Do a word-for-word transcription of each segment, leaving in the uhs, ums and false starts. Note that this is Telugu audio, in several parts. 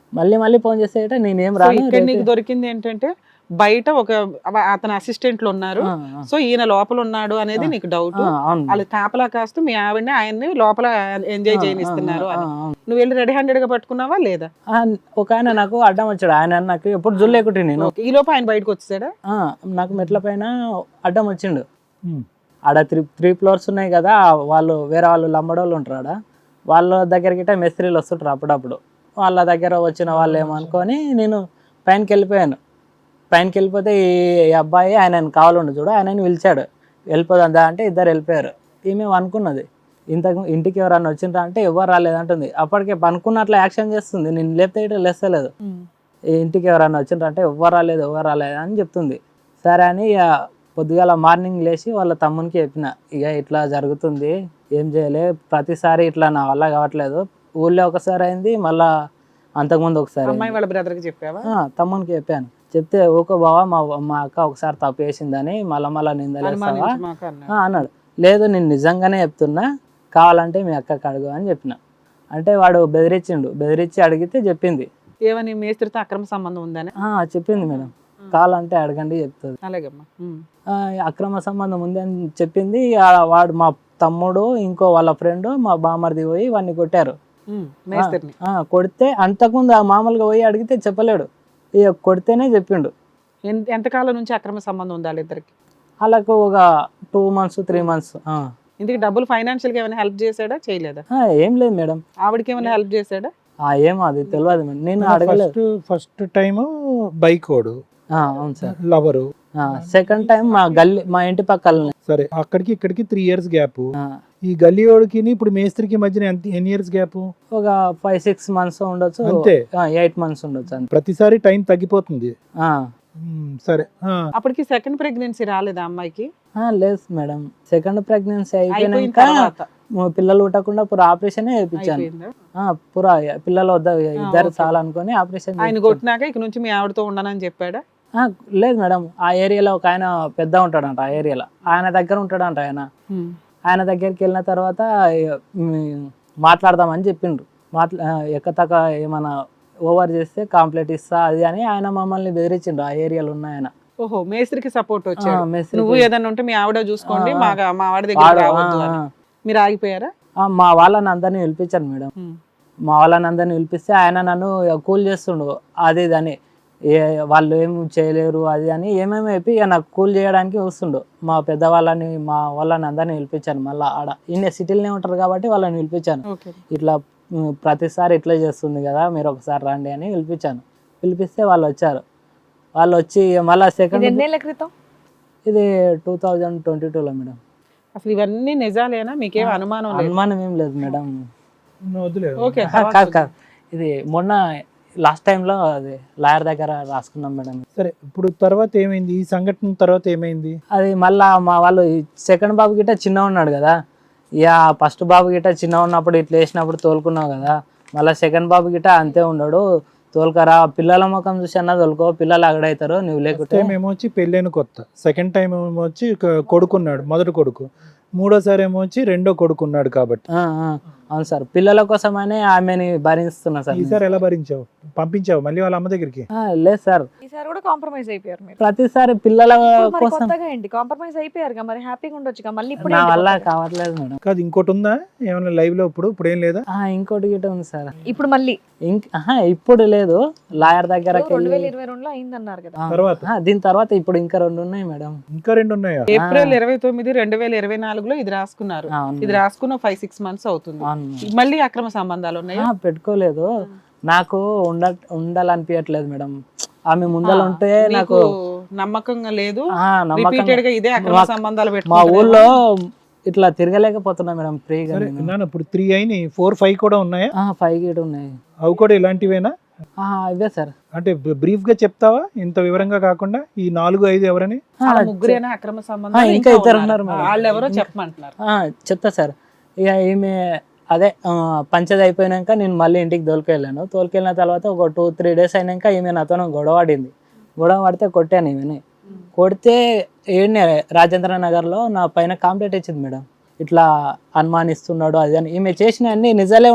మళ్ళీ మళ్ళీ ఫోన్ చేస్తే గిట్ట నేనేం సో రాను ఇక్కడ నీకు రేపే- దొరికింది ఏంటంటే బయట ఒక అవ- అతని అసిస్టెంట్లు ఉన్నారు, ఆ, ఆ, సో ఈయన లోపల ఉన్నాడు అనేది నీకు డౌట్. ఆ, అవును వాళ్ళు కాపలా కాస్తూ మీ ఆవిడని ఆయన్ని లోపల ఎంజాయ్ ఆ, చేయనిస్తున్నారు ఆ, అని ఆ, అవును. నువ్వు వెళ్ళి రెడీ హ్యాండెడ్ గా పట్టుకున్నావా లేదా? ఆ, ఒక ఆయన నాకు అడ్డం వచ్చాడు. ఆయన నాకు ఎప్పుడు జుల్లేకుట్టి నేను ఓకే. ఈ లోపు ఆయన బయటకు వచ్చాడా? ఆ, నాకు మెట్ల పైన అడ్డం వచ్చిండు. ఉమ్. ఆడ త్రీ త్రీ ఫ్లోర్స్ ఉన్నాయి కదా, వాళ్ళు వేరే వాళ్ళు లంబడోళ్ళు ఉంటారు ఆడ. వాళ్ళ దగ్గరికి గిట్ట మేస్త్రీలు వస్తుంటారు అప్పుడప్పుడు. వాళ్ళ దగ్గర వచ్చిన వాళ్ళు ఏమనుకొని నేను పైనకి వెళ్ళిపోయాను. పైనకి వెళ్ళిపోతే ఈ ఈ అబ్బాయి ఆయనను కావాలండు చూడు, ఆయనని పిలిచాడు. వెళ్ళిపోదా అంటే ఇద్దరు వెళ్ళిపోయారు. ఈమె అనుకున్నది ఇంతకు ఇంటికి ఎవరన్నా వచ్చిండ్రా అంటే ఎవరు రాలేదంటుంది. అప్పటికే పనుకున్నట్లు యాక్షన్ చేస్తుంది. నేను లేపితే ఇట్లా లేస్తలేదు. ఈ ఇంటికి ఎవరన్నా వచ్చిండ్రా అంటే ఎవరు రాలేదు ఎవరు రాలేదు అని చెప్తుంది. సరే అని ఇక పొద్దుగాల మార్నింగ్ లేచి వాళ్ళ తమ్మునికి చెప్పిన, ఇక ఇట్లా జరుగుతుంది ఏం చేయలే, ప్రతిసారి ఇట్లా నా వల్ల కావట్లేదు. ఊళ్ళో ఒకసారి అయింది, మళ్ళా అంతకుముందు ఒకసారి అమ్మాయి అయింది. వాళ్ళ బ్రదర్ కి చెప్పావా? ఆ, తమ్మునికి చెప్పాను. చెప్తే ఓకే బావా మా మా అక్క ఒకసారి తప్పు చేసిందని మళ్ళా మళ్ళా నిందలేస్తావా అనుమానించమాక అన్నాడు. ఆ, అన్నాడు. లేదు నేను నిజంగానే చెప్తున్నా, కావాలంటే మీ అక్కకి అడుగు అని చెప్పిన. అంటే వాడు బెదిరించిండు. బెదిరించి అడిగితే చెప్పింది. ఏమని మేస్త్రితో అక్రమ సంబంధం ఉందని? ఆ, చెప్పింది మేడం, కావాలంటే అడగండి చెప్తుంది. అలాగమ్మా. ఉమ్. ఆ, అక్రమ సంబంధం ఉంది అని చెప్పింది. ఆ, వాడు మా తమ్ముడు ఇంకో వాళ్ళ ఫ్రెండ్ మా బామర్ది పోయి వాడిని కొట్టారు. ఉమ్. మేస్త్రిని ఆ, కొడితే అంతకుముందు ఆ మామూలుగా పోయి అడిగితే చెప్పలేడు. ఇక కొడితేనే చెప్పిండు. ఎన్- ఎంతకాలం నుంచి అక్రమ సంబంధం ఉంది వాళ్ళిద్దరికి? వాళ్ళకు ఒక టూ మంత్స్ త్రీ మంత్స్ ఇందుకు డబ్బులు ఫైనాన్షియల్ గా ఏమైనా హెల్ప్ చేశాడా చేయలేదా? ఏం లేదు మేడం. ఆవిడకి ఏమైనా హెల్ప్ చేశాడా? ఆ, ఏమో అది తెలియదు మేడం, నేను అడగలేదు. ఫస్ట్ ఫస్ట్ టైం బైక్ ఓడు ఆ, అవును సార్. లవరు, సెకండ్ టైం మా గల్లీ మా ఇంటి పక్కలనే. సరే అక్కడికి ఇక్కడికి త్రీ ఇయర్స్ గ్యాప్. ఆ, ఈ గల్లీ ఓడికి ఇప్పుడు మేస్త్రికి మధ్యన ఎంత ఎన్ని ఇయర్స్ గ్యాప్? ఒక ఫైవ్ సిక్స్ మంత్స్ ఉండొచ్చు, అంతే. ఎయిట్ మంత్స్ ఉండొచ్చు అంతే. ప్రతిసారి టైం తగ్గిపోతుంది. ఆ, ఉమ్, సరే ఆ, అప్పటికి సెకండ్ ప్రెగ్నెన్సీ రాలేదా అమ్మాయికి? ఆ, లేదు మేడం, సెకండ్ ప్రెగ్నెన్సీ అయిపోయిన అయిపోయినాక తర్వాత మా పిల్లలు పుట్టకుండా పూర ఆపరేషన్ చేయించాను. అయిపోయిందా? పూర పిల్లలు వద్ద ఇద్దరు ఓకే. చాలా అనుకొని ఆపరేషన్ ఆయన చేయించాను. కొట్టినాక ఇక నుంచి మీ ఆవిడతో ఉండనని చెప్పాడా? ఆ, లేదు మేడం, ఆ ఏరియాలో ఒక ఆయన పెద్ద ఉంటాడంట. ఆ ఏరియాలో ఆయన దగ్గర ఉంటాడంట. ఆయన ఆయన దగ్గరికి వెళ్ళిన తర్వాత ఇక, మ్, మాట్లాడదామని చెప్పిండ్రు. మాట్లా ఎక్కతక్క ఏమైనా ఓవర్ చేస్తే కంప్లైంట్ ఇస్తా అది అని ఆయన మమ్మల్ని బెదిరించిండ్రు. ఆ ఏరియాలో ఉన్న ఆయన. ఓహో, మేస్త్రికి సపోర్ట్ ఆ, వచ్చాడు. మేస్త్రికి. నువ్వు ఏదన్నా ఉంటే మీ ఆవిడ చూసుకోండి, ఆ, మా మా ఆవిడ దగ్గర వాడు- రావద్దు ఆ, అని. ఆ. మీరు ఆగిపోయారా? ఆ, మా వాళ్ళని అందరినీ పిలిపించాను మేడం. ఉమ్. మా వాళ్ళని అందరినీ పిలిపిస్తే ఆయన నన్ను కూల్ చేస్తుండు. అది ఇది అని, ఏ వాళ్ళు ఏం చేయలేరు అది అని ఏమేమి చెప్పి ఇక నాకు కూల్ చేయడానికి వస్తుండు. మా పెద్దవాళ్ళని మా వాళ్ళని అందరినీ పిలిపించాను. మళ్ళీ ఆడ ఇన్ని సిటీలోనే ఉంటారు కాబట్టి వాళ్ళని పిలిపించాను. ఓకే. ఇట్లా ఉమ్, ప్రతిసారి ఇట్లా చేస్తుంది కదా, మీరు ఒకసారి రండి అని పిలిపించాను. పిలిపిస్తే వాళ్ళు వచ్చారు. వాళ్ళు వచ్చి మళ్ళీ ఇది సెకండ్ ఎన్నేళ్ల క్రితం? ఇది టూ థౌజండ్ ట్వంటీ టూలో మేడం. అసలు ఇవన్నీ నిజాలేనా? మీకేం అనుమానం లేదు? అనుమానం ఏం లేదు మేడం. నువ్వు వదిలేదు. ఓకే. ఆ, కాదు కాదు, ఇది మొన్న లాస్ట్ టైంలో అది లాయర్ దగ్గర రాసుకున్నాం మేడం. సరే ఇప్పుడు తర్వాత ఏమైంది? ఈ సంఘటన తర్వాత ఏమైంది? అది మళ్ళా మా వాళ్ళు సెకండ్ బాబు గిట్ట చిన్న ఉన్నాడు కదా, ఇక ఫస్ట్ బాబు గిట్ట చిన్న ఉన్నప్పుడు ఇట్లా వేసినప్పుడు తోలుకున్నావు కదా, మళ్ళీ సెకండ్ బాబు గిట్ట అంతే ఉన్నాడు. తోలుకరా పిల్లల ముఖం చూసి అన్న తోలుకో, పిల్లలు అగడవుతారు నువ్వు లేకుంటే. టైం ఏమో వచ్చి పెళ్ళైన కొత్త, సెకండ్ టైం ఏమో వచ్చి కొ- కొడుకున్నాడు, మొదటి కొడుకు. మూడోసారి ఏమో వచ్చి రెండో కొడుకున్నాడు కాబట్టి. ఆ, ఆ, అవును సార్, పిల్లల కోసమనే ఆమెని భరిస్తున్నా సార్. ఈసారి ఎలా భరించావు? పంపించావు మళ్ళీ వాళ్ళ అమ్మ దగ్గరికి? ఆ, లేదు సార్, ఈసారి కూడా కాంప్రమైజ్ అయిపోయారు మీరు. ప్రతిసారి పిల్లల ఇప్పుడు మరి కోసం కొత్తగా ఏంటి కాంప్రమైజ్ అయిపోయారు మరి హ్యాపీగా ఉండొచ్చుగా మళ్ళీ ఇప్పుడు నా ఏంటి వల్ల కొత్తగా? కావట్లేదు మేడం. కాదు ఇంకోటి ఉందా ఏమైనా లైవ్ లో? ఇప్పుడు ఇప్పుడు ఏం లేదా? ఆ, ఇంకోటి గిట్ట ఉంది సార్. ఇప్పుడు మళ్ళీ ఇంక ఆహా, ఇప్పుడు లేదు, లాయర్ దగ్గరకి రెండు వేల వెళ్ళి ఇరవై రెండులో అయిందన్నారు కదా. ఆ, తర్వాత? ఆ, దీని తర్వాత ఇప్పుడు ఇంకా రెండు ఉన్నాయి మేడం. ఇంకా రెండు ఉన్నాయా? ఏప్రిల్ ఇరవై తొమ్మిది రెండు వేల ఇరవై నాలుగులో ఇది రాసుకున్నారు. అవును ఇది రాసుకున్న ఫైవ్ సిక్స్ మంత్స్ అవుతుంది. అవును. మళ్ళీ అక్రమ సంబంధాలు ఉన్నాయి. ఆ, పెట్టుకోలేదు. నాకు ఉండ ఉండాలనిపించట్లేదు మేడం. ఆమె ముందర ఉంటే నాకు నమ్మకంగా లేదు. ఆ, నమ్మకంగా- రిపీటెడ్ గా ఇదే అక్రమ మా- సంబంధాలు మా పెట్టుకుంటున్నారు. ఊళ్ళో ఇట్లా తిరగలేకపోతున్నా మేడం ఫ్రీగా. సరే నాన్న ఇప్పుడు త్రీ అయినాయి, ఫోర్ ఫైవ్ కూడా ఉన్నాయా? ఫైవ్ గేట్ ఉన్నాయి. అవి కూడా ఇలాంటివేనా? ఆ, ఇవే సార్. అంటే బ్రీఫ్ గా చెప్తావా ఇంత వివరంగా కాకుండా? ఈ నాలుగు ఐదు ఎవరని? ఆ, వాళ్ళ ముగ్గురేనా అక్రమ ఆ, సంబంధాలు? ఇంకా ఇద్దరు ఉన్నారు మేడం. వాళ్ళు ఎవరో చెప్పమంటున్నారు. ఆ, చెప్తా సార్. ఇక ఈమె అదే ఆ, పంచది అయిపోయినాక నేను మళ్ళీ ఇంటికి తోలుకెళ్ళాను. తోలుకెళ్ళిన తర్వాత ఒక టూ త్రీ డేస్ అయినాక ఈమె నాతో గొడవ పడింది. గొడవ పడితే కొట్టాను ఈమెని. కొడితే ఏడ్నే రాజేంద్ర నగర్లో నా పైన కంప్లైంట్ ఇచ్చింది మేడం. ఇట్లా అనుమానిస్తున్నాడు అది అని. ఈమె చేసిన అన్ని నిజాలే ఉన్నాయి.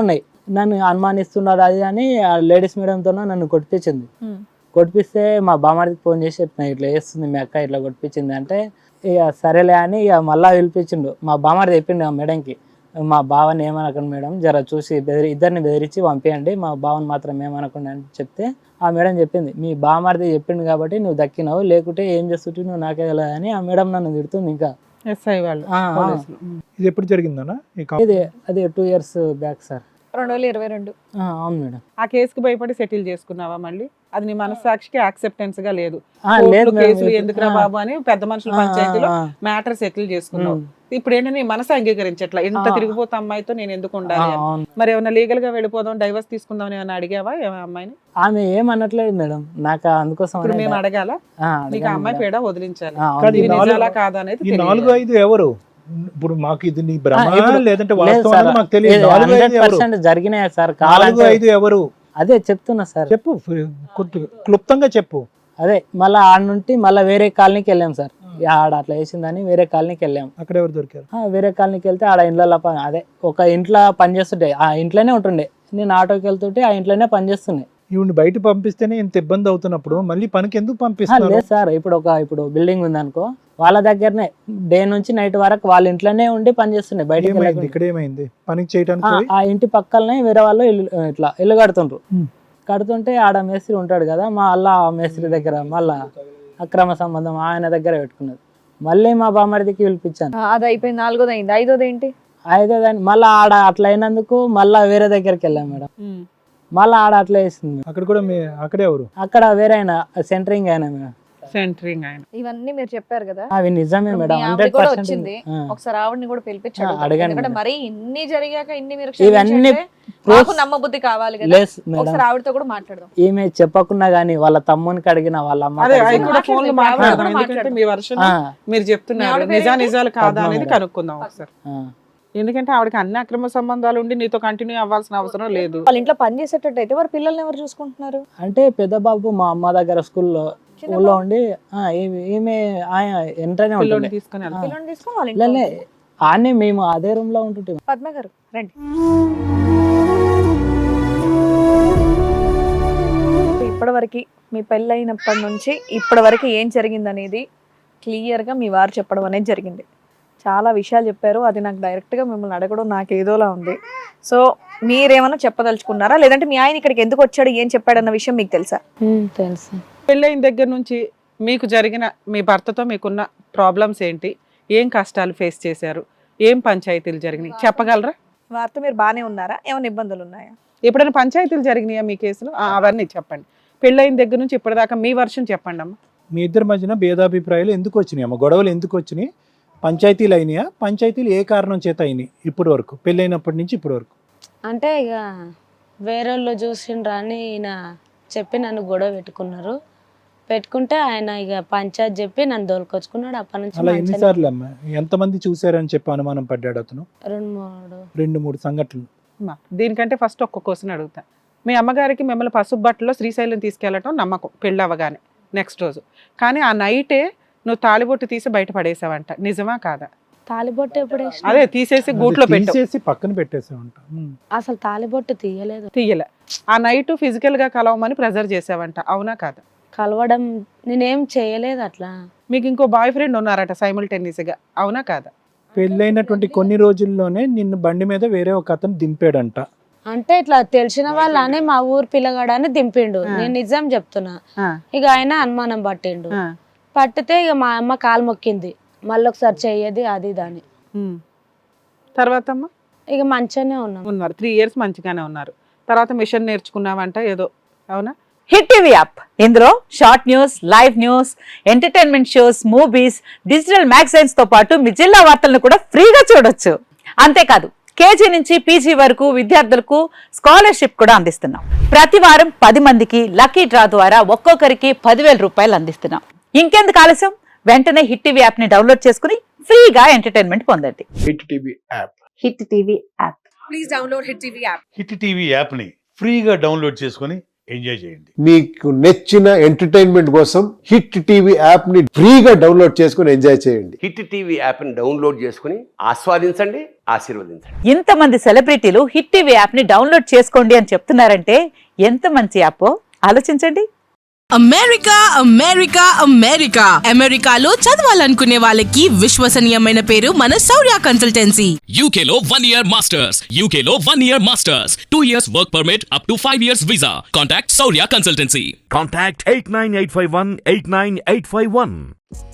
నన్ను అనుమానిస్తున్నారు అది అని లేడీస్ మీడియంతో నన్ను కొట్టించింది. ఉమ్. కొట్టిస్తే మా బామ్మడికి ఫోన్ చేసి చెప్పిన ఇట్లా చేస్తుంది మీ అక్క ఇట్లా కొట్టించింది అంటే ఇక సరేలే అని ఇక మళ్ళా పిలిపించిండు. మా బామ్మడి చెప్పిండు ఆ మేడంకి, మా బావని ఏమనకండి మేడం, జర చూసి బెదిరి ఇద్దరిని బెదిరించి పంపించండి, మా బావని మాత్రం ఏమనకండి అని చెప్తే ఆ మేడం చెప్పింది, మీ బామ్మడిది చెప్పిండు కాబట్టి నువ్వు దక్కినావు, లేకుంటే ఏం చేస్తుంటే నువ్వు నాకే తెలియదు అని ఆ మేడం నన్ను తిడుతుంది. ఇంకా ఎస్ఐ వాళ్ళు ఆ, ఆ. పోలీసులు. ఉమ్. ఇది ఎప్పుడు జరిగిందన్నా ఈ కా- ఇది అది టూ ఇయర్స్ బ్యాక్ సార్. రెండు వేల ఇరవై రెండు ఆ, అవును మేడం. ఆ కేసుకి భయపడి సెటిల్ చేసుకున్నావా మళ్ళీ? అది నీ మనస్సాక్షికి యాక్సెప్టెన్స్ గా లేదు. ఆ, కోర్టులు, లేదు మేడం. కేసులు ఎందుకురా ఆ, బాబు అని పెద్ద మనుషుల ఆ, పంచాయతీలో ఆ, మ్యాటర్ సెటిల్ చేసుకున్నావు. ఉమ్. ఇప్పుడు ఏంటంటే నీ మనసు అంగీకరించట్లా, ఇంత ఆ. తిరిగిపోతే అమ్మాయితో నేను ఎందుకు ఆ, ఉండాలి అని. అవును. మరి ఏమైనా లీగల్ గా వెళ్ళిపోదాం, డైవర్స్ తీసుకుందాం అని ఏమైనా అడిగావా ఏమైనా అమ్మాయిని? ఆమె ఏమనట్లేదు మేడం, నాకు అందుకోసం ఇప్పుడు అనే మేము డా- అడగాల ఆ, నీకు ఆ అడగాను అమ్మాయి మేడం. పేడ వదిలించాలి. ఆ, అవును కాదు, ఈ ఇది మేడం. నాలుగు- నిజాలా కాదా అనేది ఈ తెలియాలి. నాలుగు ఐదు ఎవరు? ఇప్పుడు మాకు ఇది నీ భ్రమ ఆ, ఇప్పుడు లేదంటే లేదు వాస్తవం సార్, అనేది మాకు తెలియదు. ఇది నాలుగు హండ్రెడ్ ఐదు ఎవరు? పర్సెంట్ జరిగినాయి సార్. నాలుగు కావాలంటే ఐదు ఎవరు అదే చెప్తున్నా సార్. చెప్పు, కొద్ది- క్లుప్తంగా చెప్పు. అదే మళ్ళీ ఆడ నుండి మళ్ళీ వేరే కాలనీకి వెళ్ళాం సార్. ఈ ఆడ అట్లా వేసిందని వేరే కాలనీకి వెళ్ళాం. అక్కడ ఎవరు దొరికారు? ఆ, వేరే కాలనీకి వెళ్తే ఆడ ఇంట్లో పని అదే ఒక ఇంట్లో పని చేస్తుంటే ఆ ఇంట్లోనే ఉంటుండే, నేను ఆటోకి వెళ్తుంటే ఆ ఇంట్లోనే పని చేస్తుండే. ఈవిని బయట పంపిస్తేనే ఇంత ఇబ్బంది అవుతున్నప్పుడు మళ్ళీ పనికి ఎందుకు ఆ, పంపిస్తున్నారు? లేదు సార్, ఇప్పుడు ఒక ఇప్పుడు బిల్డింగ్ ఉంది అనుకో, వాళ్ళ దగ్గరనే డే నుంచి నైట్ వరకు వాళ్ళ ఇంట్లోనే ఉండి పని చేస్తుండే, బయటకి ఏమైంది వెళ్ళకుండా. ఇక్కడ? ఏమైంది? పనికి చేయడానికి ఆ, పోయి ఆ ఇంటి పక్కలనే వేరే వాళ్ళు ఇల్లు ఇట్లా ఇల్లు కడుతుండ్రు. ఉమ్. కడుతుంటే ఆడ మేస్త్రి ఉంటాడు కదా, మా అల్లా ఆ మేస్త్రి దగ్గర మళ్ళా అక్రమ సంబంధం ఆయన దగ్గర పెట్టుకున్నది. మళ్ళీ మా బామ్మడికి పిలిపించాను. ఆ, అది అయిపోయింది. నాలుగోది అయింది. ఐదోది ఏంటి? అయితే దాన్ని మళ్ళీ ఆడ అట్లా అయినందుకు మళ్ళా వేరే దగ్గరికి వెళ్ళాం మేడం. ఉమ్. మళ్ళీ ఆడ అట్లా వేసింది. అక్కడ కూడా మీ అక్కడే ఎవరు? అక్కడ వేరే ఆయన సెంటరింగ్ అయినా మేడం. సెంటరింగ్ ఆయన. ఇవన్నీ మీరు చెప్పారు కదా, అవి నిజమే ఇప్పుడు మేడం, మీ ఆవిడ హండ్రెడ్ కూడా పర్సెంట్. వచ్చింది. ఒకసారి ఆవిడని కూడా పిలిపించి ఆ, అడుగుదాం. అడగండి ఎందుకంటే మేడం. మరి ఇన్ని జరిగాక ఇన్ని మీరు ఇవన్నీ క్షమించంటే మాకు నమ్మబుద్ధి కావాలి కదా. లేస్ మేడం, ఒకసారి ఆవిడతో కూడా మాట్లాడదాం. ఈమె చెప్పకున్నా గానీ వాళ్ళ తమ్మునికి అడిగిన వాళ్ళ అమ్మ అదే అవి అడిగిన. కూడా ఫోన్ లో మాట్లాడదాం. మాట్లాడదాం, ఆవిడ ఎందుకంటే కూడా మీ వర్షన్ ఆ, మీరు చెప్తున్నారు ఆవిడ పేరు నిజా ఏంటి? నిజాలు కాదా పద్మ అనేది మేడం. కనుక్కుందాం ఒకసారి. ఆ. ఎందుకంటే ఆవిడకి అన్ని అక్రమ సంబంధాలు ఉండి నీతో కంటిన్యూ అవ్వాల్సిన అవసరం లేదు. వాళ్ళ ఇంట్లో పని చేసేటట్టు అయితే వారి పిల్లల్ని ఎవరు చూసుకుంటున్నారు? అంటే పెద్ద బాబు మా అమ్మ దగ్గర స్కూల్లో స్కూల్లో ఉండి ఆ, ఈమె- ఈమె ఆయన ఎంటనే పిల్లోని ఉంటుండే. తీసుకొని వెళ్తా. పిల్లల్ని తీసుకొని వాళ్ళ ఇంట్లో లే ఆనే మేము అదే రూమ్ లో ఉంటుంటే. పద్మ గారు రండి. ఇప్పటివరకు మీ పెళ్ళైనప్పటి నుంచి ఇప్పటి వరకు ఏం జరిగింది అనేది క్లియర్గా మీ వారు చెప్పడం అనేది జరిగింది. చాలా విషయాలు చెప్పారు. అది నాకు డైరెక్ట్గా మిమ్మల్ని అడగడం నాకు ఏదోలా ఉంది. సో మీరేమైనా చెప్పదలుచుకున్నారా, లేదంటే మీ ఆయన ఇక్కడికి ఎందుకు వచ్చాడు, ఏం చెప్పాడన్న విషయం మీకు తెలుసా? తెలుసు. పెళ్ళైన దగ్గర నుంచి మీకు జరిగిన మీ భర్తతో మీకున్న ప్రాబ్లమ్స్ ఏంటి, ఏం కష్టాలు ఫేస్ చేశారు, ఏం పంచాయతీలు జరిగినాయి చెప్పగలరా? వారితో మీరు బాగానే ఉన్నారా? ఏమైనా ఇబ్బందులు ఉన్నాయా? ఎప్పుడైనా పంచాయతీలు జరిగినాయా మీ కేసులో? ఆ, అవన్నీ చెప్పండి. పెళ్ళైన దగ్గర నుంచి ఇప్పటిదాకా మీ వర్షం చెప్పండి అమ్మా. మీ ఇద్దరి మధ్యన భేదాభిప్రాయాలు ఎందుకు వచ్చినాయి అమ్మ? గొడవలు ఎందుకు వచ్చినాయి? పంచాయతీలు అయినాయా? పంచాయతీలు ఏ కారణం చేత అయినాయి ఇప్పటి వరకు, పెళ్ళైనప్పటి నుంచి ఇప్పటి వరకు? అంటే ఇక వేరే వాళ్ళు చూసిండ్రా అని ఈయన చెప్పి నన్ను గొడవ పెట్టుకున్నారు. పెట్టుకుంటే ఆయన ఇక పంచాయత్ చెప్పి నన్ను దోలుకొచ్చుకున్నాడు. అప్పటి నుంచి అలా మంచిగానే ఎన్నిసార్లు అమ్మ? ఎంతమంది చూసారని చెప్పి అనుమానం పడ్డాడు అతను? రెండు మూడు రెండు మూడు సంఘటనలు. అమ్మా, దీనికంటే ఫస్ట్ ఒక్క క్వశ్చన్ అడుగుతా. మీ అమ్మగారికి మిమ్మల్ని పసుపు బట్టలో శ్రీశైలం తీసుకెళ్ళటం నమ్మకం పెళ్ళి అవ్వగానే నెక్స్ట్ రోజు, కానీ ఆ నైటే నువ్వు తాలిబొట్టు తీసి బయట పడేసావంట, నిజమా కాదా? తాలిబొట్టు ఎప్పుడు వేసిన? అదే తీసేసి గూట్లో పెట్టు. తీసేసి పక్కన పెట్టేసామంట. అసలు తాలిబొట్టు తీయలేదు. తీయలే. ఆ నైట్ ఫిజికల్ గా కలవమని ప్రెజర్ చేసావంట, అవునా కాదా? కలవడం నేనేం చేయలేదు అట్లా. మీకు ఇంకో బాయ్ ఫ్రెండ్ ఉన్నారట సైమల్టేనియస్ గా, అవునా కాదా? పెళ్ళైనటువంటి కొన్ని రోజుల్లోనే నిన్ను బండి మీద వేరే ఒక అతను దింపాడంట. అంటే ఇట్లా తెలిసిన వాళ్ళని మా ఊరు పిల్లగాడని దింపిండు. నేను నిజం చెప్తున్నా. ఆ, ఇక ఆయన అనుమానం పట్టిండు. ఆ, పట్టితే ఇక మా అమ్మ కాలు మొక్కింది, మళ్ళీ ఒకసారి చెయ్యది అది దాని. ఉమ్. తర్వాత అమ్మా ఇక మంచిగానే ఉన్నాం. ఉన్నారు, త్రీ ఇయర్స్ మంచిగానే ఉన్నారు. తర్వాత మిషన్ నేర్చుకున్నావంట ఏదో, అవునా? హిట్ టీవీ యాప్, ఇందులో short news, live news, entertainment shows, movies, digital magazines తో పాటు మీ జిల్లా వార్తలను కూడా ఫ్రీగా చూడొచ్చు. అంతేకాదు కేజీ నుంచి పీజీ వరకు విద్యార్థులకు స్కాలర్షిప్ కూడా అందిస్తున్నాం. ప్రతి వారం పది మందికి లక్కీ డ్రా ద్వారా ఒక్కొక్కరికి పదివేల రూపాయలు అందిస్తున్నాం. ఇంకెందుకు ఆలస్యం, వెంటనే హిట్ టీవీ యాప్ ని డౌన్లోడ్ చేసుకుని ఫ్రీగా ఎంటర్టైన్మెంట్ పొందండి. Hit TV app. Hit TV app. Hit TV యాప్ని ఫ్రీగా డౌన్లోడ్ చేసుకొని ఎంజాయ్ చేయండి. మీకు నచ్చిన ఎంటర్టైన్మెంట్ కోసం హిట్ టీవీ యాప్ ని ఫ్రీగా డౌన్లోడ్ చేసుకుని ఎంజాయ్ చేయండి. హిట్ టీవీ యాప్ని డౌన్లోడ్ చేసుకుని ఆస్వాదించండి, ఆశీర్వదించండి. ఇంతమంది సెలబ్రిటీలు హిట్ టీవీ యాప్ ని డౌన్లోడ్ చేసుకోండి అని చెప్తున్నారంటే ఎంత మంచి యాప్ ఆలోచించండి. అమెరికా అమెరికా అమెరికా అమెరికాలో చదవాలనుకునే వాళ్ళకి విశ్వసనీయమైన పేరు మన శౌర్య కన్సల్టెన్సీ. యూకేలో వన్ ఇయర్ మాస్టర్స్, యూకేలో one year masters, two years work permit up to five years visa. Contact Shaurya consultancy. Contact eight nine eight five one eight nine eight five one.